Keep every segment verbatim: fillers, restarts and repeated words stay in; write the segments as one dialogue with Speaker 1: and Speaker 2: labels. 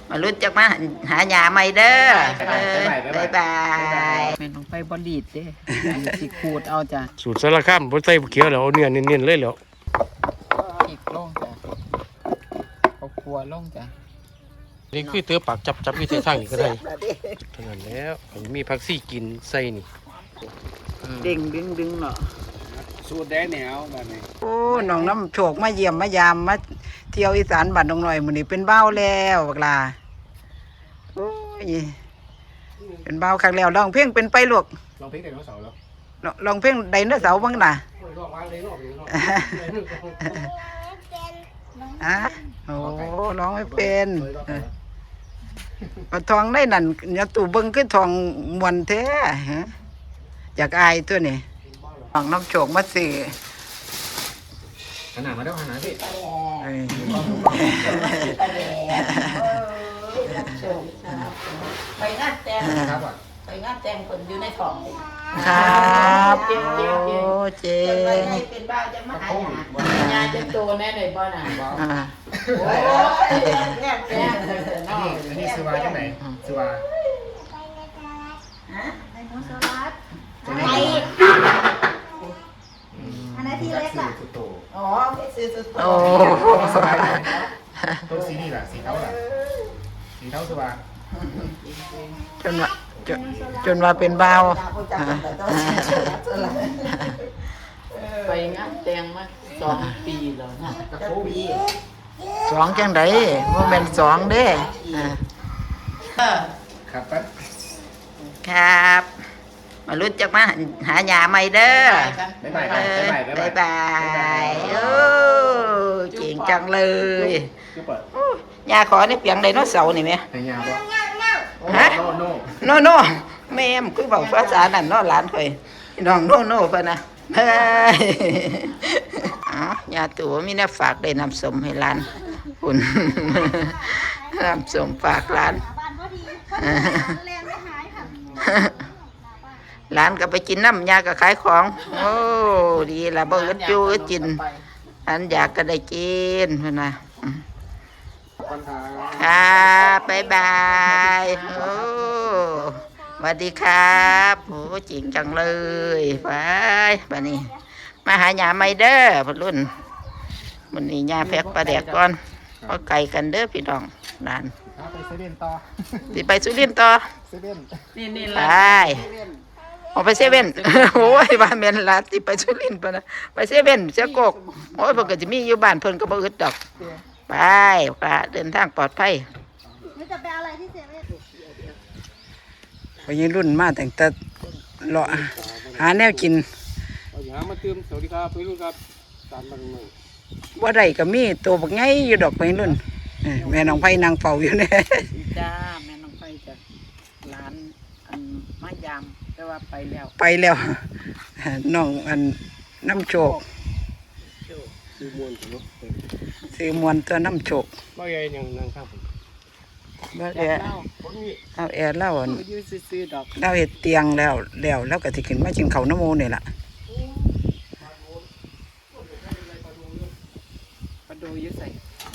Speaker 1: มาลุ้นจักมาหาหยาใหม่เด้อบ๊ายบายแม่นลงไปบอดีดเด้สิขูดเอาจ้ะ
Speaker 2: สูตรสารคามบ่ใส่เขียวแล้วเอาเนื้อเน้นๆเลยแล้ว
Speaker 1: อีกลงจ้ะเอาครัวลงจ้ะ
Speaker 2: นี่คือเตือปากจับจับที่ทางนี่ก็ได้เท่านั้นแล้วมีผักซี่กินใส่นี่
Speaker 1: เด้งดึงดึงเนาะ
Speaker 3: สูตรแดงเหนียวแบบนี้
Speaker 1: โอ้น้องน้ำโชคมาเยี่ยมมายามมาเที่ยวอีสานบ้านดงหน่อยมื้อนี้เป็นเบ้าแล้วบักลาโอ้ยเป็นเบ้าครั้งแล้วร้องเพลงเป็นไปลูก
Speaker 3: ลองเพลงไดโนเสาร์แล้ว
Speaker 1: ร้องเพลงไดโนเสาร์บ้างน่ะอ่ะโอ้ร้องไม่เป็นปะทองได้นั่นอย่าตู่เบิ่งคือทองมวนแท้ฮะอยากอายตัวนี้น้องน้ำโชคมาซื้อ
Speaker 3: ขนาดมาได้ขนาดพี่
Speaker 4: ไปงานแต่งไปงานแต่งคนอยู่ในท้อง
Speaker 1: ครับโอ้เจ๊
Speaker 4: เป็นบ้าจะมาหาหยาจะโตแน่เลยบ่น่ะโอ้ยแง่แง่
Speaker 3: อันนี้ซื้อมาจากไหนซื้อมา
Speaker 4: ฮะไดโนเสาร์ไออันนั้นที่เล็กอ่ะอ๋อซื้อสุดโต
Speaker 3: สบายเลยตัวสีนี่แหละสีเทาแหละสีเทาซื้อมา
Speaker 1: จนว่าจนจนว่าเป็นเบา
Speaker 4: ไปงานแต่งมาสองปีแล้วนะโควิด
Speaker 1: สองจังไดว่าเป็นสองเด้
Speaker 3: ครับปั๊บ
Speaker 1: ครับมาลุ้นจักมาหาหยาใหม่เด้อ
Speaker 3: บ๊ายบายบ๊ายบาย
Speaker 1: บ๊ายบายโอ้เก่งจังเลยยาขอในเปียงไดโนเสาร์นี่ไหม
Speaker 3: ยาบ่
Speaker 1: ฮะโนโนแม่มคือบอกภาษานั่นเนาะหลานเคยน้องโนโนเพิ่นนะเฮ้ยอ๋อยาตัวมีแนวฝากได้นำสมให้หลานคุณนำสมฝากหลานหลานก็ไปกินน้ำยาก็ขายของโอ้ดีละบ่อึดอยู่อึดกินอันอยากก็ได้กินเพิ่นน่ะครับบ๊ายบายโอ้สวัสดีครับโอ้จริงจังเลยไปบัดนี้มาหาหยาใหม่เด้อพ่อรุ่นมื้อนี้หญ้าแพกปลาแดกก่อนเอาไก่กันเด้อพี่น้องหลาน
Speaker 3: ไปเซเว่นต่อ
Speaker 1: สิไปสุรินทร์ต่อ
Speaker 3: เซเว่น
Speaker 1: นี่ๆไปออกไปเซเว่นโอ้ยบ้านแม่นหลานสิไปสุรินทร์ป่ะนะไปเซเว่นเสียกกโอ้ยเพิ่นก็สิมีอยู่บ้านเพิ่นก็บ่อึดดอกไปปลาเดินทางปลอดภัยนี่จะไปอะไรที่เซเว่นวัยรุ่นมาแต่งแต่เลาะหาแนวกิน
Speaker 3: หามาเติมสวัสดีครับวัยรุ่นครับตามมาหน่อย
Speaker 1: ว่าใดก็มีตัวบักไงอยู่ดอกวัยรุ่นแม่น้องไผ่นางเฝ้าอยู่เนี่ยจ้าแม่น้องไผ่จ้ะร้านอันมายามแต่ว่าไปแล้วไปแล้วน้องอันน้ำโชค
Speaker 3: ซื้อมวนตัว
Speaker 1: ซื้อมวนตัวน้ำโชค
Speaker 3: ว่าไงยังนั่งข้างผม
Speaker 1: ว่าแอร์เอาแอร์เล่าเล่าเห็ดเตียงแล้วแล้วแล้วก็ที่ขึ้นมาจิงเขาน้ำโมนี่แหละปลาดูยืดใส่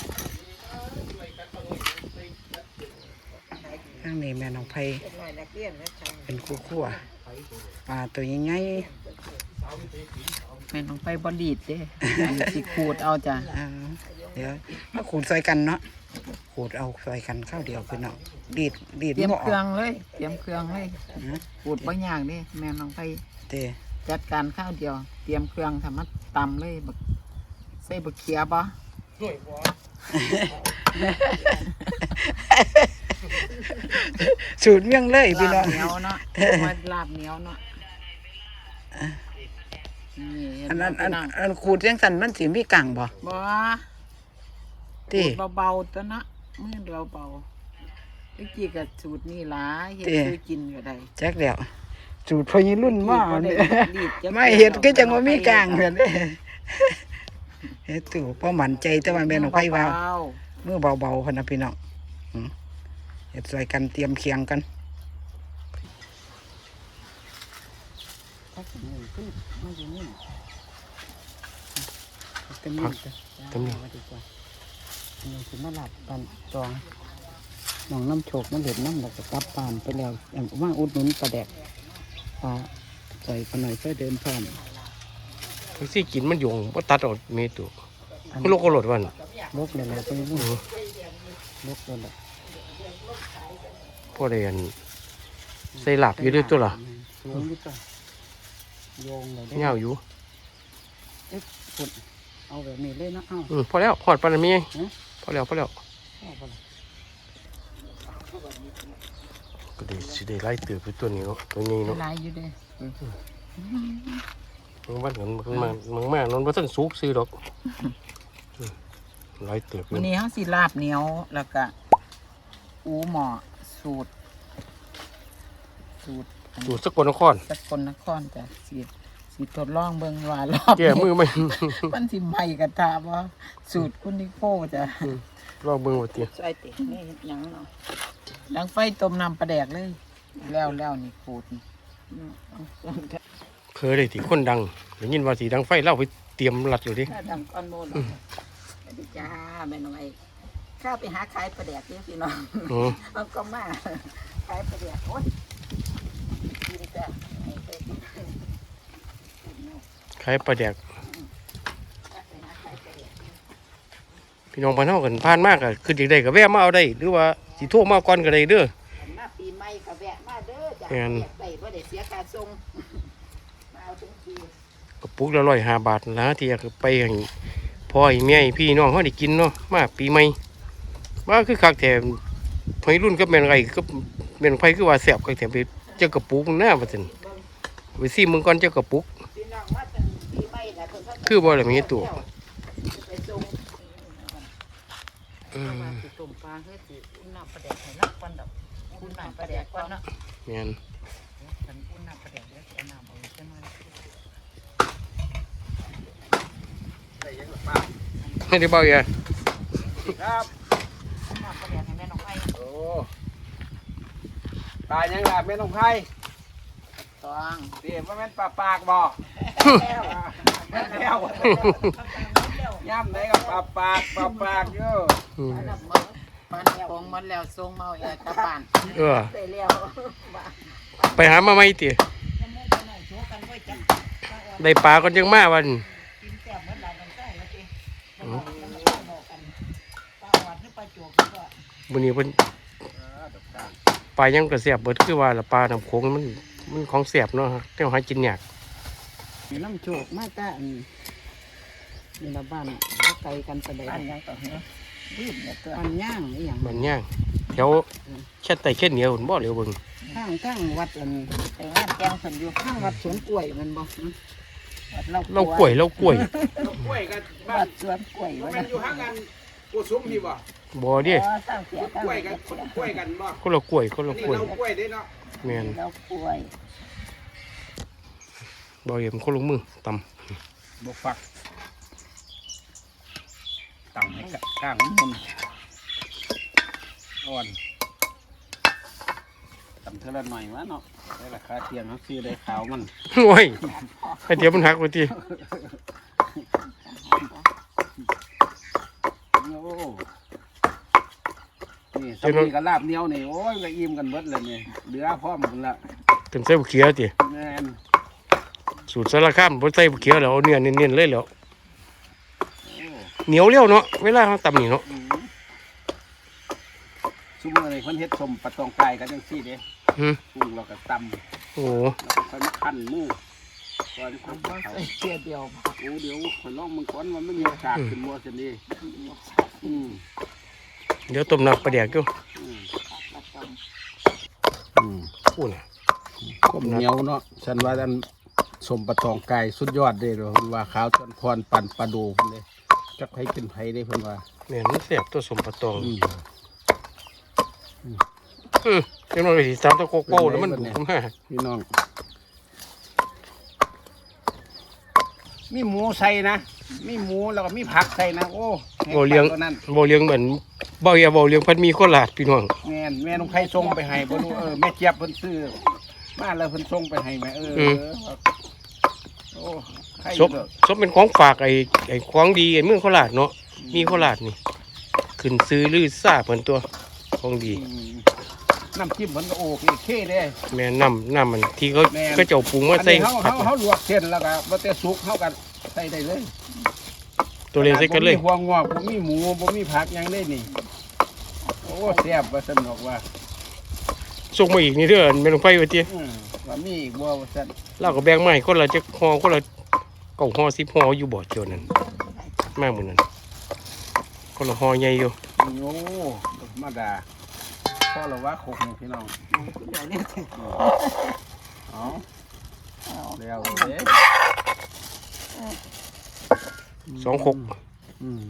Speaker 1: ข้างนี้แม่น้องไผ่เป็นคู่ขั้วปลาตัวยังไงแม่น้องไผ่บอดีดเด้สิขูดเอาจ้ะเดี๋ยวมาขูดใส่กันเนาะขูดเอาใส่กันข้าวเดียวคือเนาะดีดดีดเตรียมเครื่องเลยเตรียมเครื่องเลยขูดบางอย่างนี่แม่น้องไผ่จัดการข้าวเดียวเตรียมเครื่องทำมัดตำเลยแบบใส่บะเขียบ่สูตรเมี่ยงเลยพี่น้องลาบเหนียวเนาะมันลาบเหนียวเนาะอันนั้นอันอันขูดยังสั่นมันสีมีกังบ่บ่ขูดเบาๆตัวนะมือเบาๆไอ้กี่กับสูตรนี่ล่ะเฮ็ดซื้อกินก็ได้แจ็คเดียวสูตรพอยี่รุ่นมากไม่เห็ดก็จังว่ามีกังเหมือนเด้เฮ็ดตู่พอหมั่นใจแต่ว่าแม่น้องไผ่ว่าเมื่อเบาๆพนะพี่น้องเฮ็ดใส่กันเตรียมเคียงกันเต็มนี่เต็มนี่นี่คือมาหลับตอนจองน้องน้ำโชคมันเห็นน้ำแล้วก็กลับบ้านไปแล้วว่าอุดหนุนปลาแดกปลาใส่กันหน่อยเพื่อเดินผ่าน
Speaker 2: ทั้งสี่กินมันโยงว่าตัดออกเมตุมันโลกก็หลดวัน
Speaker 1: ลกเลยแหละไปนู่นลกเลยแหละ
Speaker 2: พ่อเรียนใส่หลับอยู่ด้วยตัวล่ะ
Speaker 1: สูงอยู่ตัวโยงเลยได้
Speaker 2: เงาอยู่
Speaker 1: เอ๊ะฝุ่นเอาแบบนี้เลยนะเอ้า
Speaker 2: อืมพอแล้วพอดปานนั้นมี
Speaker 1: ฮะ
Speaker 2: พอแล้วพอแล้ว
Speaker 1: เอาไปเลย
Speaker 2: ก็ได้สิได้ไล่เตือไปตัวนี้เนาะตัวนี้เนาะ
Speaker 1: ลายอยู่เด้
Speaker 2: มึงบ้านกันมึงมามึงมานอนว่าท่านสุกซื้อดอกอืมไล่เตือไป
Speaker 1: วันนี้เขาสิลาบเหนียวแล้วก็อูหมอสูตร สูตร
Speaker 2: อยู่สกลนคร
Speaker 1: สกลนครจ้ะสีสีทดลองเบิ่งว่ารอบ
Speaker 2: แก้มือไหม
Speaker 1: มันสิใหม่กระทาว่าสูตรคุณนิโก้จ้ะ
Speaker 2: ลองเบิ่งว่าติ
Speaker 1: ใส่ตินี่ยังเนาะดังไฟต้มน้ำปลาแดกเลย แล้วแล้วนี่ขูดนี่
Speaker 2: เคยได้ที่คนดังได้ยินว่าสีดังไฟเล่าไปเตรียมรัดอยู่ดิ
Speaker 4: ถ้าดังก้อนโมนสวัสดีจ้าแม่น้องไอ้ข้าไปหาขายปลาแดกนี่พี่น้อง
Speaker 2: อืม
Speaker 4: เอาก็มาขายปลาแดกโอ้ยกินจ้ะให้ไปกิน
Speaker 2: ขายปลาแดกพี่น้องพานเฮากันผ่านมากก็คือจังได๋ก็แวะมาเอาได้หรือว่าสิโทรมาก่อนก็ได้เด้อ
Speaker 4: มาปีใหม่ก็แวะมาเด้อจ้ะ
Speaker 2: แม่น
Speaker 4: แวะไปบ่ได้เสียค่าส่งมาเอาถึงที
Speaker 2: กระปุกละร้อยห้าบาทนะที่อยากไปให้พ่อให้แม่ให้พี่น้องเขาได้กินเนาะมาปีใหม่ว่าคือคักแถมวัยรุ่นก็แม่นไรก็แม่นไผคือว่าแซ่บคักแถมไปเจ้ากระปุกหน้าว่าซั่นไปซิมึงก่อนเจ้ากระปุก
Speaker 4: พี่น้องมาตั้งปีใหม่แล้วเพิ่นก็
Speaker 2: คือบ่ล่ะมีตัว
Speaker 4: ไปส่ง
Speaker 2: อืม
Speaker 1: มาสิต้มปลาเฮ้ยสิอุ่นน้ำปลาแดกให้นักก่อนดอกอุ่นน้ำปลาแดกก่อนเนาะ
Speaker 2: แม่น
Speaker 1: ฉันอุ่นน้ำปลาแดกแล้วเอาน้ำเอาใช่ไหม
Speaker 2: ไม่ได้เบาอย่า
Speaker 3: ครับ
Speaker 1: อุ่นน้ำปลาแดกให้แม่น้องไอ้
Speaker 3: โอ้ปลายังล่ะแม่น้องไผ่
Speaker 1: ตอง
Speaker 3: เดี๋ยวว่าแม่นปลาปากบ่แม่นแล้วย่ำไหนก็ปลาปากปลาปากอยู่
Speaker 2: อืม
Speaker 1: มันคงมันแล้วทรงเมาแอร์กลับบ้าน
Speaker 2: เออ
Speaker 4: ไปแล้ว
Speaker 2: ไปหามาใหม่ติได้ปลาก่อนจังมาวัน
Speaker 1: กินแซ่บเหมือนหลานน้องไส้แล้วติ
Speaker 2: อืม
Speaker 1: บอกกันปลาหวานหรือปลาโจกก็
Speaker 2: มื้อนี้เพิ่นปลายังก็แซ่บเบิดคือว่าละปลาน้ำโขงมันมันของแซ่บเนาะแต่หากินยาก
Speaker 1: มีน้ำโจกมาแต่อันนี่ละบ้านไกลกันไปเลย
Speaker 4: อันยังต่อเนาะรีบเนี่ยตัว
Speaker 1: บ้านย่างนี่อย่าง
Speaker 2: มันย่างแถวแค่ไตแค่เหนียวหุ่นบ่เหลียวเบิ่ง
Speaker 1: ข้างข้างวัดอัน
Speaker 4: ไปงานแกงเพิ่นอยู่
Speaker 1: ข้างวัดสวนกล้วยมันบอก
Speaker 4: วัดเรา
Speaker 2: เรากล้วยเรากล้วย
Speaker 3: กล้วยกันบ้า
Speaker 4: วัน ดสวนกล้วย
Speaker 3: บ่
Speaker 4: ว่า
Speaker 3: แม่นอยู่ห่างกันกูซุ้มพี่บ่
Speaker 2: บ่เดิ
Speaker 4: อ๋อสร้างเสียตั้ง
Speaker 3: กล้วยกันคนกล้วยกันบ่
Speaker 2: คนละกล้วยคนละ
Speaker 3: นี่
Speaker 2: กล้วย
Speaker 3: เรากล้วยเด้เนาะ
Speaker 2: แม่น
Speaker 4: เรากล้วย
Speaker 2: บ่เห็นคนลงมือตำ
Speaker 3: บกฟักตั้งให้กลางมุนอ่อนตำเท่าละหน่อยวะเนาะได้ราคาเทียมเขาซื้อได้ขาวมัน
Speaker 2: โอ้ยให้เดี๋ยวมันหักไปที
Speaker 3: โอ้นี่สามีกับลาบเหนียวนี่โอ้ยก็อิ่มกันเบิดเลยนี่เหลือพร้อมกันละ
Speaker 2: เต็มใส่บุเขียวติ
Speaker 3: แม่น
Speaker 2: สูตรสารคามบ่ใส่บุเขียวแล้วเอาเนื้อเน้นๆเลยแล้ว
Speaker 3: โอ้
Speaker 2: เหนียวเร็วเนาะเวลาเราตำนี่เนาะ
Speaker 3: อืมซุมื้อนี้เพิ่นเฮ็ดสมปลาตองไก่กันจังซี่เด้
Speaker 2: หืม
Speaker 3: ปรุงแล้วก็ตำ
Speaker 2: โอ้
Speaker 3: แล้วก็ค่อยมาคั่นหมูก่อนค่อย
Speaker 1: บ่
Speaker 3: เขา
Speaker 1: ใส่เสียเดียว
Speaker 3: โอ้เดี๋ยวข่อยลองมึงก่อนว่ามันมีโอกาสขึ้นบ่ซั่นนี่อืม
Speaker 2: เดี๋ยวต้มน้ำปลาแดกอยู่
Speaker 3: อืมอืม
Speaker 2: อู้น่ะ
Speaker 3: ก้มเหนียวเนาะฉันว่าอันสมปะตองไก่สุดยอดเด้เพิ่นว่าขาวจนพรปั่นปลาโดเพิ่นเด้จักให้เป็นไผเด้เพิ่นว่า
Speaker 2: แม่นมันแซ่บตัวสมปะตอง
Speaker 3: อืม
Speaker 2: อือเดี๋ยวมันไปสิตามตะโกโก้แล้วมันดุมา
Speaker 3: พี่น้องมีหมูใส่นะมีหมูแล้วก็มีผักใส่นะโอ้
Speaker 2: บ่เลี้ยง
Speaker 3: ตัวนั้น
Speaker 2: บ่เลี้ยงเหมือนบ่อย่าบ่เลี้ยงเพันมีโคราชพี่น้อง
Speaker 3: แม่นแม่น้องไผส่งไปให้บ่รู้เออแม่เจี๊ยบเพิ่นซื้อมาแล้วเพิ่นส่งไปให้แม่เออโอ้ใคร
Speaker 2: ซบซบเป็นของฝากไอ้ไอ้ของดีไอ้เมืองโคราชเนาะมีโคราชนี่ขึ้นซื้อลือซ่าเพิ่นตัวของดี
Speaker 3: อืมน้ำจิ้มมันก็โอเคเคเด้
Speaker 2: แม่น้ำน้ำมันที่เขา
Speaker 3: แม่น
Speaker 2: ก็เจ้าปรุงมา
Speaker 3: อัน
Speaker 2: ใส่
Speaker 3: นี้เฮา
Speaker 2: ผัด
Speaker 3: เฮาเฮาลวกเส้นแล้วก็บ่แต่สุกเฮาก็ใส่ได้เลย
Speaker 2: ตัวเล็กใส่กันเลย
Speaker 3: บ่มีหัวงอกบ่มีหมูบ่มีผักหยังเลยนี่โอ้แซ่บว่าซั่นบอกว่า
Speaker 2: ส่งมาอีกนี่เด้อแม่นไฟว่าติ
Speaker 3: อืมว่ามีอีกบ่ว่าซั่น
Speaker 2: เราก็แบ่งมาให้คนละจักห่อคนละเก้าห่อสิบห่ออยู่บ่เจ้านั่นมามื้อนั้นคนละห่อใหญ่อยู่
Speaker 3: โอ้ธรรมดาพอแล้วว่าคกนี่พี่น้อง
Speaker 4: เดี๋ยวนี้
Speaker 3: เอาแล้วเด้
Speaker 2: สองคก
Speaker 3: อืม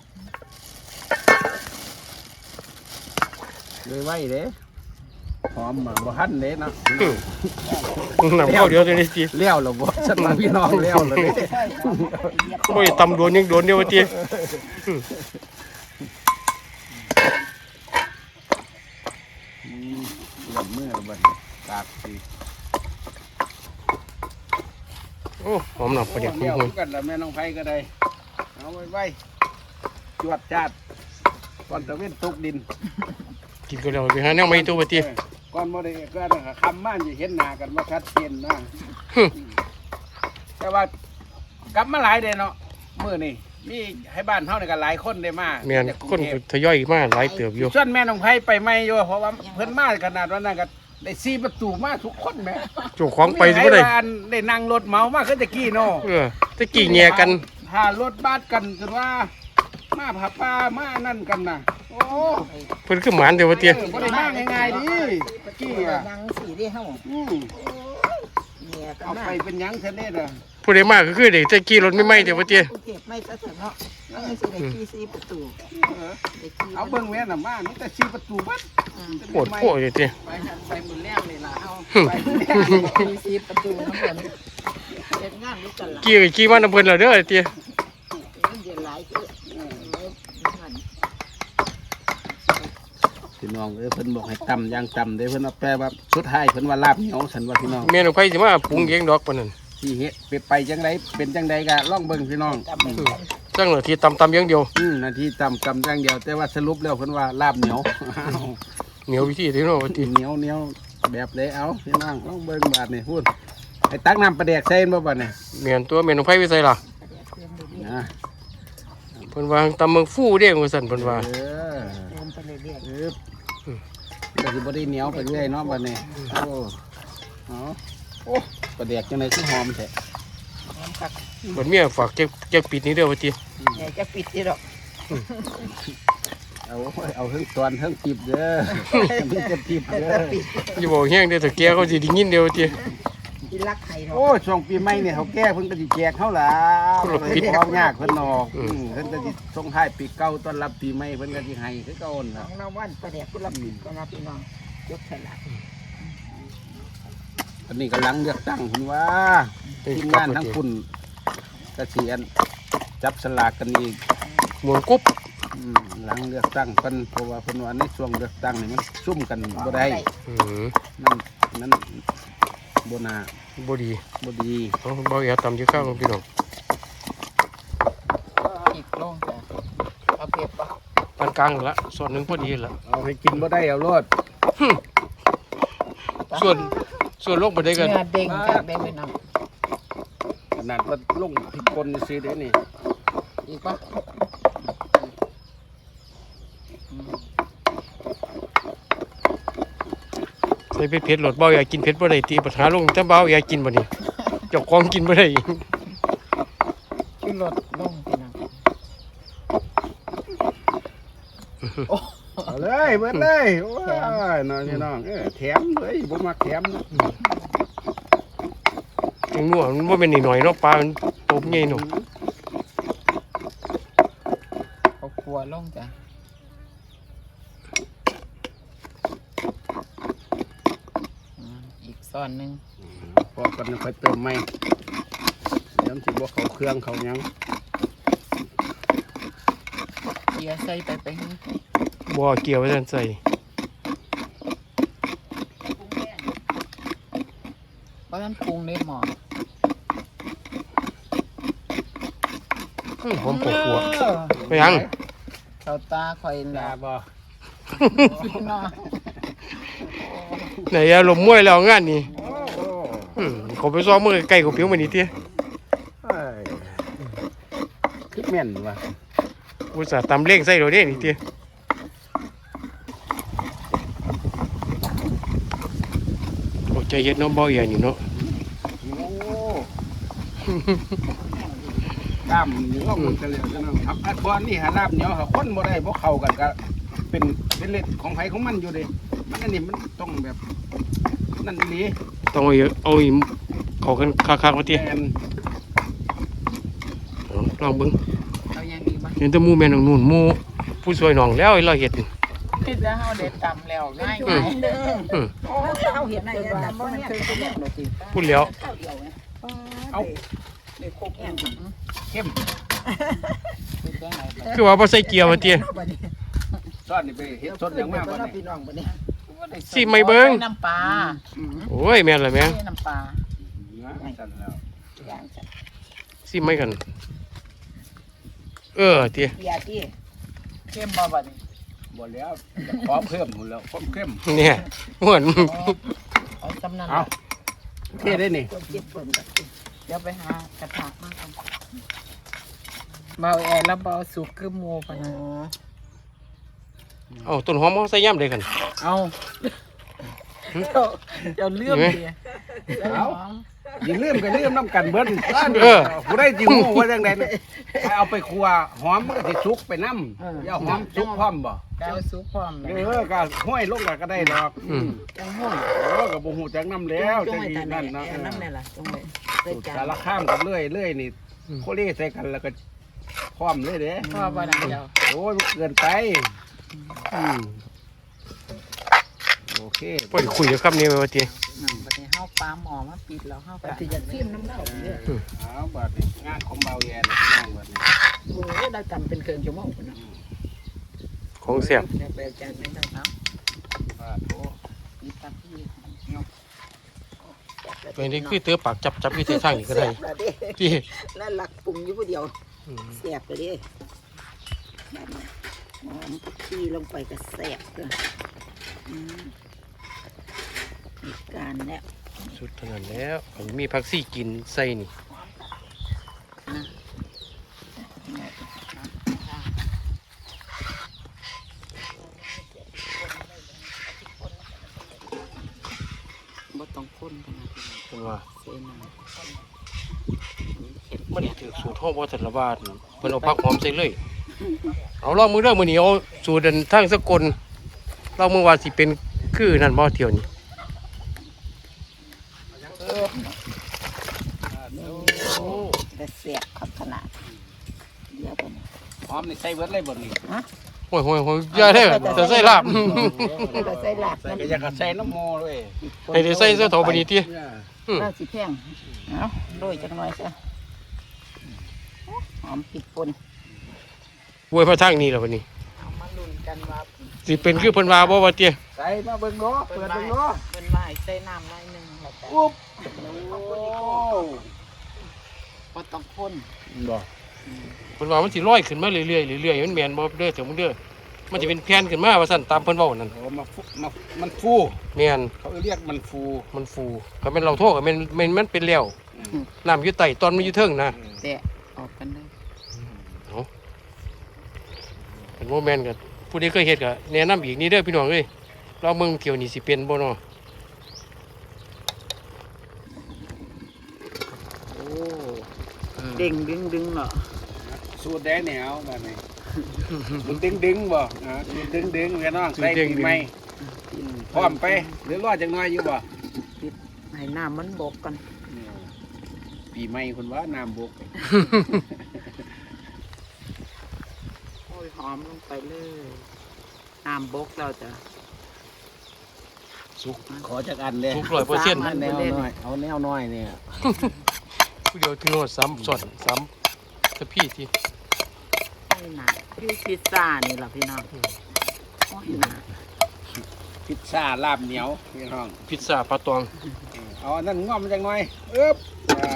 Speaker 3: เลยไว้เด้หอมมาบ่ทันเด้เนาะ
Speaker 2: น้ำข้าวเดียวตัวนี้สิ
Speaker 3: เลี้ยวแล้วบ่ฉันมาพี่น้องเลี้ยวแล้วเด้
Speaker 2: โอ้ยตำโดนยังโดนเดียวว่าติ
Speaker 3: อืมเลี้ยวมือแล้วบัดนี้ตากสิ
Speaker 2: โอ้หอมน้ำปลาแดก
Speaker 3: เลี้ยว
Speaker 2: หุ่น
Speaker 3: กันแล้วแม่น้องไผก็ได้เอาไว้ไว้จวดจาดก่อนตะเว้นตกดิน
Speaker 2: ๆกินก็แล้วไปหาแนวใหม่ตัวว่าติ
Speaker 3: ก่อนบ่ได้ก็นั่นก็คำมาสิเห็นหน้ากันว่าชัดเจนนะแต่ว่ากลับมาหลายเด้เนาะมื้อนี้มีให้บ้านเฮานี่ก็หลายคนได้มา
Speaker 2: แม่น
Speaker 3: จากกรุง
Speaker 2: คน
Speaker 3: เทพ
Speaker 2: ทยอยมาหลายเติบอยู่
Speaker 3: ส่วนแม่น้องไผไปไม่อยู่เพราะว่าเพิ่นมาขนาดว่านั้นก็ได้สี่ประตูมาทุกคนแหม่
Speaker 2: เจ้าของไปสิบ่ได้
Speaker 3: ม่ให้ว่าอันได้นั่งรถเหมามาคือตะกี้เนาะ
Speaker 2: เออตะกี้แง่กัน
Speaker 3: ถ้ารถบัสกันคือว่า มาผาป้ามานั่นกันน่ะโอ้
Speaker 2: เพิ่นคือหมานเด้อว่าติ
Speaker 3: เออบ่ได้มาง่ายๆดิตะกี้อ่ะ
Speaker 4: นั่งสีได้เฮา
Speaker 3: อืม
Speaker 4: เนี่ยก็
Speaker 3: เอา
Speaker 4: มา
Speaker 3: ไปเป็นหยังเท่านี้น่ะ
Speaker 2: ผู้ใดมาก็คือเด็กตะกี้รถไม่ไหม้เด้อว่าติ
Speaker 4: กรุงเทพไม่ซะเถอะเนาะนั่งสิได้ขี่สี่ประตู
Speaker 3: เออ
Speaker 4: ได้ขี่
Speaker 3: เอาเบิ่งแม่น่ะมามีแต่สี่ประตูบัด
Speaker 2: ปวดโพดเลยติ
Speaker 4: ไปหันไปมื้อแรกเลยล่ะเฮา
Speaker 3: ไปแม่
Speaker 4: ขี่สี่ประตูทั้งหมดเฮ็ดงานด้วยกันล่ะ
Speaker 2: กี้ก็กี้มานํเพิ่นแล้วเด้อติ
Speaker 4: มันเดือดหลายคือนั่น
Speaker 3: พี่น้องเอ้ยเพิ่นบอกให้ตำอย่างตำเด้เพิ่นเอาแปลว่าสุดท้ายเพิ่นว่าลาบเหนียวฉันว่าพี่น้อง
Speaker 2: แม่นของไผสิมาปรุงเองดอกปานนั้น
Speaker 3: ที่เฮ็ดไปไปจังไดเป็นจังไดก็ลองเบิ่งพี่น้อง
Speaker 2: อืมจังหน้าที่ตำๆอย่างเดียว
Speaker 3: อืมนาทีตำตำจังเดียว แต่ว่าสรุปแล้วเพิ่นว่าลาบเหนียว
Speaker 2: เหนียววิธีที่เนาะว่าติ
Speaker 3: เหนียวเหนียวแบบเลยเอาพี่น้องลองเบิ่งบาดนี่พูดไอ้ตักน้ำปลาแดกใส่บ่บัดนี่
Speaker 2: แม่นตัวแม่นของไผไว้ใส่ล่ะ
Speaker 3: นะ
Speaker 2: เพิ่นว่าตำเมืองฟูเด้ว่าซั่นเพิ่นว่า
Speaker 3: เออ
Speaker 4: เดินไปเรื่อย
Speaker 3: เออก็สิบ่ได้เหนียวไปเรื่อยเนาะบัดนี้โอ้เอาโอ้ปลาแดกจังไดคือหอมแท้
Speaker 4: ๆน้ำคัก
Speaker 2: บัดเมียฝากเก็บเก็บปิดนี้เด้อว่าติ
Speaker 4: เนี่ยจะปิดที่ดอก
Speaker 3: เอาเอาเทั้งตอนเทั้งติบเด้อ มีแต่ติบเด้อ
Speaker 2: อย่าบอกแห้งเด้อถ้าแกเขาสิได้ยินเด้อว่าติ
Speaker 4: ที่รักไข่ดอก
Speaker 3: โอ้ช่วงปีใหม่เนี่ยเขาแก้เพิ่นก็สิแจกเฮาล่ะ
Speaker 2: คนละผิด
Speaker 3: ของยากเพิ่นออกอืมเพิ่นก็สิส่งท้ายปีเก่าต้อนรับปีใหม่เพิ่นก็สิให้คือเก่านั่น
Speaker 4: น้
Speaker 3: ล่ะ
Speaker 4: องน้ำวันประเดี๋ยวกุหลาบปิดก็นะพี่น้องยกฉลาก
Speaker 3: อันนี้กำลังเลือกตั้งเพิ่นว่าทีมงานทั้งคุณก็สิอันจับสลากกันอีก
Speaker 2: หมุนกุ๊บ
Speaker 3: อืมหลังเลือกตั้งเพิ่นเพราะว่าเพิ่นว่าในช่วงเลือกตั้งนี่มันซุ่มกันบ่ได้
Speaker 2: อืม
Speaker 3: นั่นนั่นบ่น่า
Speaker 2: บ่ดี
Speaker 3: บ่ดี
Speaker 2: เอาเบาอย่าตำอยู่ข้างพี่น้อง
Speaker 4: อีกลงจ้ะเอาเก็บปะ
Speaker 2: ปานกลางละส่วนหนึงพอดีละ
Speaker 3: เอาให้กินบ่ได้เอาโลด
Speaker 2: ส่วนส่วนลงบ่ได้กัน
Speaker 4: เนื้อเด้งจ้ะเด้งไปน้
Speaker 3: ขนาดว่าลงพริกป่นซื่อเด้นี่
Speaker 4: ำอีกปะ
Speaker 2: ใส่เผ็ดๆโหลดเบาอย่ากินเผ็ดบ่ได้ตีปัญหาลงถ้าเบาอย่ากินบ่นี่เจ้าของกินบ่ได้
Speaker 4: ขึ้นรถลงพี่น้อง
Speaker 3: เอาเลยเบิดเลยโอ้ยน้องพี่น้องเออแถมเลยบ่มักแถมนะ
Speaker 2: จังนัวมันบ่แม่นนิดหน่อยเนาะปลามันโตใหญ่เนาะ
Speaker 4: เอาครัวลงจ้ะอืมอีกซ่อนหนึง
Speaker 3: พอกันค่อยเติมใหม่เดี๋ยวมันสิบ่เข้าเครื่องเข้าหยัง
Speaker 4: เกียร์ใส่ไปไปให้
Speaker 2: บ่เกี่ยวไว้ซั่นใส่
Speaker 4: เพราะฉะนั้นปรุงในหม้อ
Speaker 2: อื้อหอมกว่าๆไปยัง
Speaker 4: เขาตาคอย
Speaker 3: ตา
Speaker 4: แล้ว
Speaker 3: บ่
Speaker 1: เนาะ
Speaker 2: ไหนอะลมมวยแล้วงานนี่
Speaker 3: โอ้โห
Speaker 2: อืมเขาไปซ้อมมือไก่กับผิวมันนี่เตี้ย
Speaker 3: เอ้ยคือแม่นว่ะ
Speaker 2: อุตส่าห์ตำเล่งใส่เราเด้นี่เตี้ยโอ้ใจเย็นเนาะบ่อย่างนี้เนาะ
Speaker 3: โอ้กล้ามเหนียวหมดกันเลยจังนะครับอัดบอลนี่หาลาบเหนียวหาคนบ่ได้บ่เข้ากันก็เป็นเป็นเล็ดของไผของมันอยู่เดิมันอันนี้มันต้องแบบนั่นนี่
Speaker 2: ต้องเอาเอาอีเขากันคักๆมาเตี้ย
Speaker 3: แม่น
Speaker 2: เอาลองเบิ่ง
Speaker 1: เอายังดีบ้าง
Speaker 2: เห็นแต่หมู่แม่นของนู่นหมู่ผู้ช่วยน้องแล้วไอ้เราเฮ็ดนี่
Speaker 1: คิดแล้วเฮาเด็ดตำแล้วง่าย
Speaker 2: อืม อืม
Speaker 4: เขาเห็นอะไรแต่บ่มันเคยเป็นเรื่องหรอกจริง
Speaker 2: พูดแล้ว
Speaker 4: ข้าวเดียวไง
Speaker 3: เอา
Speaker 4: เด็กครบแห้ง
Speaker 3: เข้ม
Speaker 1: คิดได้ไงบ้าง
Speaker 2: คือว่าบ่ใส่เกียร์มาเตี้ย
Speaker 3: ซอสนี่ไปเฮ็ดสดอย่างมากบ่
Speaker 4: บ่
Speaker 3: นี่
Speaker 4: พี่น้องบ่นี่
Speaker 2: สิไม่เบิ่ง
Speaker 1: น้ำปลา
Speaker 2: โอ้ยแม่นล่ะแม่ง
Speaker 1: น้ำปลา
Speaker 3: นะสั่นแล้ว
Speaker 4: อย่างจัด
Speaker 2: สิไม่กัน เออเตี้ย
Speaker 4: เบียร์ที่
Speaker 1: เข้มบ่บัดนี้
Speaker 3: บ่แล้วจะขอเพิ่มหมดแล้วความเข้ม
Speaker 2: เนี่ยเหมือน
Speaker 1: เอาจำนั้น
Speaker 3: เอาเท่ได้นี่
Speaker 4: ตัวเจ็บเพิ่มกับ
Speaker 1: เดี๋ยวไปหากระถางมากันเบาแอร์แล้วเบาสุกคือหมูปะนะ
Speaker 2: เอาต้นหอมเขาใส่ย่ำเลยกัน
Speaker 1: เอาเจ้าเจ้าเลื่อมเดีย
Speaker 3: เอาอย่าลืมก็ลืมน้ำกันเบิ้ล
Speaker 2: เออ
Speaker 3: ผู้ได้จิงูว่าจังไดเนี่ยให้เอาไปครัวหอมมันก็สิสุกไปน้ำอย่าหอมสุกพร้อมบ่
Speaker 1: เจ้าสุกพร้อมเล
Speaker 3: เอย อก็ห้อยลงก็ได้ดอก
Speaker 2: อืม
Speaker 4: จังห้อง
Speaker 3: เออก็บ่ฮู้จักน้ำแล้ว
Speaker 4: จ
Speaker 3: จั
Speaker 4: ง
Speaker 3: ง
Speaker 4: ไว้
Speaker 3: อี
Speaker 4: ตา
Speaker 3: นั่
Speaker 4: นั่
Speaker 3: น
Speaker 4: น
Speaker 3: เนาะ
Speaker 4: เนาะน้ำนี่ล่ะจงไว้ใส่จา
Speaker 3: สาน รข้ามกันเรื่อยเรื่อยนี่โคเล่ใส่กันแล้วก็พร้อมเลยเด้
Speaker 1: พ่อบ่ได้เจ้า
Speaker 3: โอ้ยเกินไปอืมโอเค
Speaker 2: พอดีคุยกับคำนี้ไว้ว่าเตี้ย
Speaker 1: นั่นบัดนี้เฮาปลาหมอมาปิดแล้วเฮา
Speaker 4: ป
Speaker 1: ก็
Speaker 4: ฏิญาณซิมน้ำเหล้าเนี่ย
Speaker 3: เอาบัดนี้งานของเบาแย่เลยพี่น้องบัดนี้
Speaker 4: โอ้ได้ทำเป็นเกินชั่วโมงพุ่นน่ะ
Speaker 2: ของแซ่บ
Speaker 4: แล้วไปจานนั้น
Speaker 1: เนาะ
Speaker 3: บาดโอ้
Speaker 1: มีตาพี่
Speaker 2: ตัวนี้คือเตือปากจับจับอยู่ที่ทางนี่ก็ได้
Speaker 4: แซ่บแล้วเด้
Speaker 2: ที่
Speaker 4: แล้วหลักปรุงอยู่ผู้เดียว
Speaker 2: อืม
Speaker 4: แซ่บเลยเด้แบบนี้หอมผักชีลงไปก็แซ่บเลยอืมมีการแล้ว
Speaker 2: สุดเท่านั้นแล้วอันนี้มีผักซี่กินใส่นี่
Speaker 1: บ่ต้องคนกันนะ
Speaker 2: เป็นว่า
Speaker 1: เส้นน่ะ
Speaker 2: มันถือสูตรห้องวัฒนบาลเพิ่นเอาผักหอมใส่เลย เอาลองมือเด้อมื้อนี้เอาสูตรเดินทางสกลลองมือว่าสิเป็นคือนั่นบ่เที่ยวนี้
Speaker 4: แต่แซ่บขับขนาดเดี๋ยวไปนะ
Speaker 3: หอมนี่ใส่เบิดเลยบ่นี่
Speaker 2: โอ้ยโอ้ยโอ้ยอย่าเด้อจะใส่ลาบ
Speaker 4: ก็ใส่หลัก
Speaker 3: ใส่
Speaker 4: มัน
Speaker 3: ก็อยากจะใส่น้ำโมเลย
Speaker 2: ให้ได้ใส่เสื้อเถาบัดนี้ติ อืม
Speaker 4: น่าสิแพงเอาโรยจังหน่อยซะหอมผิดปน
Speaker 2: อวยมาทางนี้แล้วบัดนี้
Speaker 1: เอามาลุ้นกันว่า
Speaker 2: สิเป็นคือเพิ่นว่าบ่ว่าเตี้ย
Speaker 3: ใส่มาเบิ่งเนาะเปิดเบิ่งเนาะ
Speaker 1: เพิ่นว่าให้ใส่น้ำหน่อยหนึงแล้วแต่
Speaker 3: อุ๊บโอ้
Speaker 1: บ่ต้องคน
Speaker 3: บ่
Speaker 2: เพิ่นว่ามันสิลอยขึ้นมาเรื่อยๆเรื่อยๆมันแม่นบ่เด้อเถอะมึงเด้อมันจะเป็นแผ่นขึ้นมาว่าซั่นตามเพิ่นเว้านั่น
Speaker 3: โอ้มาฟุมามันฟู
Speaker 2: แม่น
Speaker 3: เขาเรียกมันฟู
Speaker 2: มันฟูก็แม่นเราโทษก็แม่นแม่นมันเป็นแล้วน้ำอยู่ใต้ตอนมันอยู่เทิงนะ
Speaker 1: แตะออกกันเลย
Speaker 2: เป็นโมแมนกับผู้ใดเคยเฮ็ดก็แนะนำอีกนี่เด้อพี่น้องเอ้ยเราเมืองเที่ยวนี่สิเป็นบ่เนาะ
Speaker 1: โอ้เด้งดึงดึงเนาะ
Speaker 3: สูตรแดงเหนียวแบบนี้สูตรดึงดึงบ่อ่าสูตรดึงดึงกันน้องใส่ปีใหม่พร้อมไปหรือรอจังน้อยอยู่บ่
Speaker 1: ให้น้ำมันบกกัน
Speaker 3: ปีใหม่คุณว่าน้ำบก
Speaker 1: โอ้ยหอมลงไปเลยน้ำบกแล้วจ้ะ
Speaker 2: สุก
Speaker 3: ขอจากอันเลย
Speaker 2: สุกร้อยเปอร์เซ็นต์
Speaker 1: สามอัน
Speaker 3: แนวน้อยเอาแนวน้อยเนี่ย
Speaker 2: ผู้เดียวถึงโน่นสามส่วนสามตะพี่ที่
Speaker 1: ให้หนาอยู่พิซซ่านี่ล่ะพี่น้องโอ้ยหนา
Speaker 3: พิซซ่าลาบเหนียวพี่น้อง
Speaker 2: พิซซ่าปลาตอง
Speaker 3: เอาอันนั่นงอมจังน้อยเอ๊บอ่า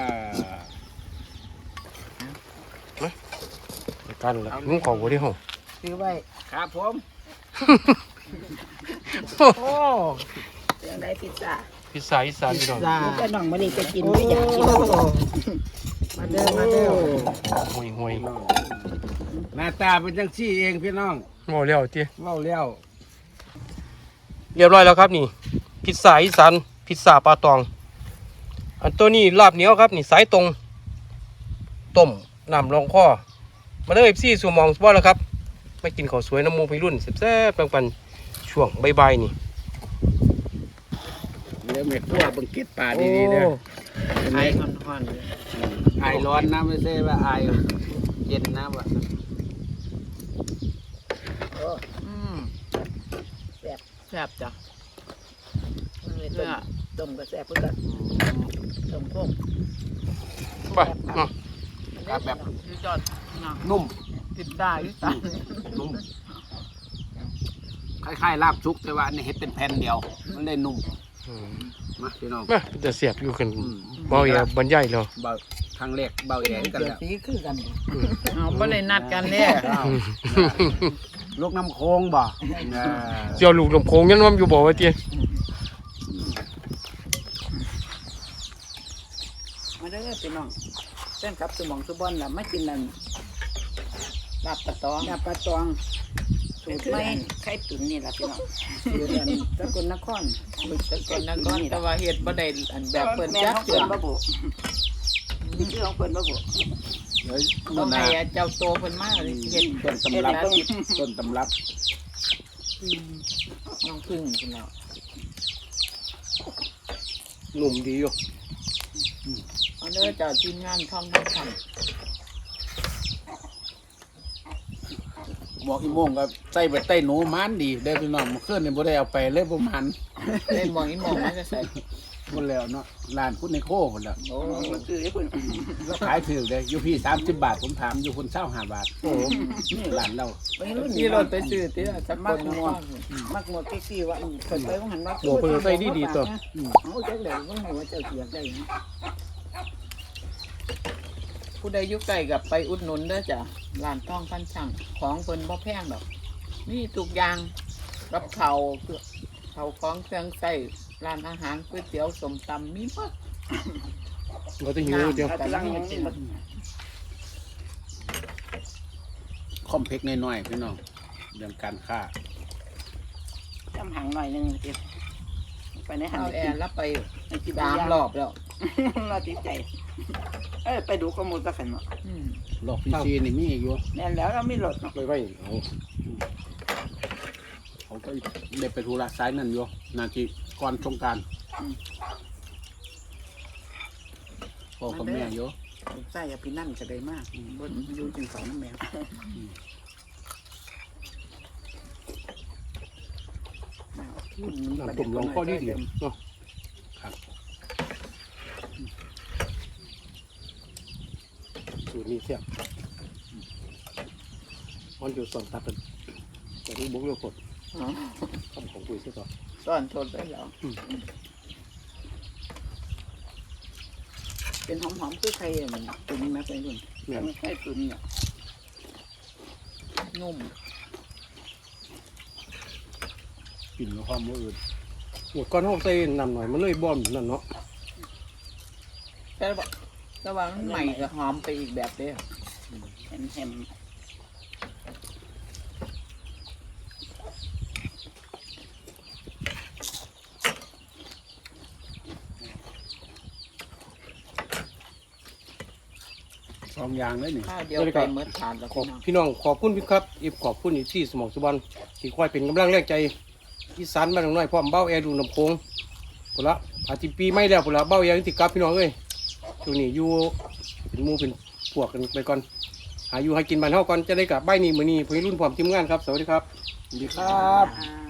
Speaker 2: ไปกันละนุ่งของบ่ได้ห้อง
Speaker 1: ซื้อไว้
Speaker 3: ครับผมโอ้
Speaker 4: เรื่องได้พิซซ่า
Speaker 2: พิซซ่าอีสานพี่น้อง
Speaker 1: จ้า
Speaker 4: ลูกก็น้องมานี่จะกิน
Speaker 1: โอ้
Speaker 4: ไม่อยากกิน
Speaker 1: มาเด้อมาเด้อ
Speaker 2: ห่วยห่วย
Speaker 3: หน้าตาเป็นจังซี่เองพี่น้อง
Speaker 2: โอ้เลี้ยวเตี้ย
Speaker 3: เว้าแล้ว
Speaker 2: เรียบร้อยแล้วครับนี่พิซซ่าอีสานพิซซ่าปลาตอง อันตัวนี้ลาบเหนียวครับนี่สายตรงต้มน้ำรองคอมาเด้อเอฟซีสู่หมองสปอร์ตแล้วครับไม่กินข้าวสวยน้ำมูไปรุ่นแซ่บๆปันๆช่วงบ่ายๆนี่
Speaker 3: เดี๋ยวแม่ครัวเบิ่งเก็ดปลาดีๆเด้อ
Speaker 1: ไอ้ห่อนๆเลย
Speaker 3: ไอายร้อนนะไม่ใช่ว่าไอายเย็นนะว่า
Speaker 1: อืม
Speaker 4: แซ่บ
Speaker 1: แซ่บจ้ะ
Speaker 4: มันเลยต้
Speaker 1: เนื้
Speaker 4: ม
Speaker 1: อ
Speaker 4: ต้มก็แซ่บเพื่อกันต้มพวก
Speaker 2: ไปเนาะ
Speaker 3: ครับแบบ
Speaker 1: ยืดยอดนะ
Speaker 3: นุ่ม
Speaker 1: ติดได้ยืดตัน
Speaker 3: นุ่มคล้ายๆลาบชุกแต่ว่าอันนี้เฮ็ดเป็นแผ่นเดียว มันเลยนุ่ม
Speaker 2: อืม
Speaker 3: มาพี่น้อง
Speaker 2: มาจะเสียบอยู่ขึ้น
Speaker 3: อืม
Speaker 2: เบาอย่าบรรยายแล้ว
Speaker 3: เบาทางเล็กเบาแย่กัน
Speaker 4: เดี๋ยว
Speaker 3: แล้ว
Speaker 4: สีคือกัน
Speaker 1: เอาบ่ได้นัดกันเนี่ย
Speaker 3: อ้าวลูกน้ำโค้งบ่อ่า
Speaker 2: เจ้าลูกลำโพงยันว่าอยู่บ่ว่าเตี้ย
Speaker 4: มาเด้อพี่น้องเส้นครับสมองสุบอนล่ะไม่กินนั่น
Speaker 1: ลาบปลาตอง
Speaker 4: ยาปลาตองสูตรไม่ไข่ตุ๋นนี่ล่ะพี่น้องสูตรอันสกลนคร
Speaker 1: บึกตะกอนนะก้อนแต่ว่าเฮ็ดบ่ได้อันแบบเปิ้น
Speaker 4: แม่
Speaker 1: จัก
Speaker 4: ของ
Speaker 1: เถื่
Speaker 4: เพิ่
Speaker 1: อน
Speaker 4: บ่บุนี่คือของเพิ่นบ่บุ
Speaker 3: เดี๋ยว
Speaker 1: ต้อง
Speaker 3: นา
Speaker 1: ให้เจ้าโตเพิ่นมาเลยเฮ็ด
Speaker 3: ต้นตำรับต้นตำรับ
Speaker 1: น้องพึ่งพุ่นแล้ว
Speaker 2: หนุ่มดีอยู่
Speaker 1: เอาเด้อเจ้าทีมงานท่องบ่ทัน
Speaker 3: หมอกอีโมงก็ใส่ใบใต้หนูมันดีได้อพี่น้องเมื่อคืนนี่บ่ได้เอาไปเลยบ่มัน
Speaker 1: เล่นหมองอีหมองมันจะใส่
Speaker 3: หมดแล้วเนาะร้านคุณในโคหมดแล้ว
Speaker 4: โอ้มันคือไอ้เพิ่น
Speaker 3: แล้วขายถือเลยอยู่พี่สามสิบบาทผมถามอยู่คนเช่าห้าบาทโอ้นี่ร้านเรา
Speaker 4: วัยรุ่น
Speaker 1: ที่รถไปซื้อติล่ะสักคนม่วง
Speaker 4: มักหมดที่ว่าเพิ่นไปว่าหันว่า
Speaker 2: โอ้เพิ่นใส่ดีๆตัว
Speaker 4: เอาจักแล้วว่าหัวเจ้าเสียได้
Speaker 1: ผู้ใดอยู่ใกล้กับไปอุดหนุนเด้อจ้ะร้านท่องพันช่างของเพิ่นบ่แพงดอกนี่ทุกอย่างกับเขาวเขาวของเครื่องใช้ร้านอาหารก๋วยเตี๋ยวส้มตำมีหมด
Speaker 2: เราจะหิวเจ้า
Speaker 4: กำลังมันสิ
Speaker 3: คอมเพล็กซ์น้อยๆพี่น้องเรื่องการค้า
Speaker 4: จำหังหน่อยนึงสิไปในหัน
Speaker 1: เอาแอร์แล้วไป
Speaker 4: กิน
Speaker 1: สามรอบแล้ว
Speaker 4: เราติดใจเอ้ยไปดูข้อมูลสักขันเนาะ
Speaker 1: อืม
Speaker 3: หลอกพี่ซีนี่มีอยู่
Speaker 4: แน่นแล้วเราไม่หลดเนาะ
Speaker 2: ไปไว้เอา
Speaker 3: เขาก็ได้ไปธุระสายนั่นอยู่นาทีก่อนสงกรารพ่อกับแม่อยู่
Speaker 4: ใส่ยาพินั่นจะได้มากบนยูจึงสองน้ำแมว
Speaker 2: น้ำตุ่มลองข้อดีดีเนาะ
Speaker 3: ครับ
Speaker 2: สูตรนี้เสียบมันอยู่สองตัดกันแต่ที่บุกเรียวกด
Speaker 1: อ๋อ
Speaker 2: คำของปุ๋ยเสียต่อ
Speaker 1: ซ่อนทนไปแล้ว
Speaker 4: เป็นหอมๆคือใครมันตุ๋นมาเป็นรุ่น
Speaker 2: เนี่ย
Speaker 4: ไม่ใช่ตุ๋นเนี่ย
Speaker 1: นุ่ม
Speaker 3: กินแล้วความมืออื่น
Speaker 2: หมดก้อนห้องใส่น้ำหน่อยมันเลยบอมนั่นเนาะ
Speaker 1: แต่ว่าแต่ว่ามันใหม่กับหอมไปอีกแบบเด้อ
Speaker 4: แฮมแฮม
Speaker 3: สองอย่างเลยนี่
Speaker 1: ข้าวเดียวไปเมื่อทานแล้ว
Speaker 2: ขอบ
Speaker 1: พี่น้อง
Speaker 2: พี่น้องขอบคุณพี่ครับอีกขอบคุณอีกที่สมองสุบรรณที่คอยเป็นกำลังแรงใจอีสานบ้านน้อยพร้อมเบ้าแอร์ดูลำโพงพุ่นละอาทิตย์ปีไม่แล้วพุ่นละเบ้าแอร์ติดกับพี่น้องเอ้ยช่วงนี้อยู่เป็นหมู่เป็นพวกกันไปก่อนหาอยู่ให้กินบ้านเฮาก่อนจะได้กลับบ้านนี้มื้อนี้พี่รุ่นพร้อมทีมงานครับสวัสดีครับ
Speaker 3: สวัสดีครับ
Speaker 4: อ่า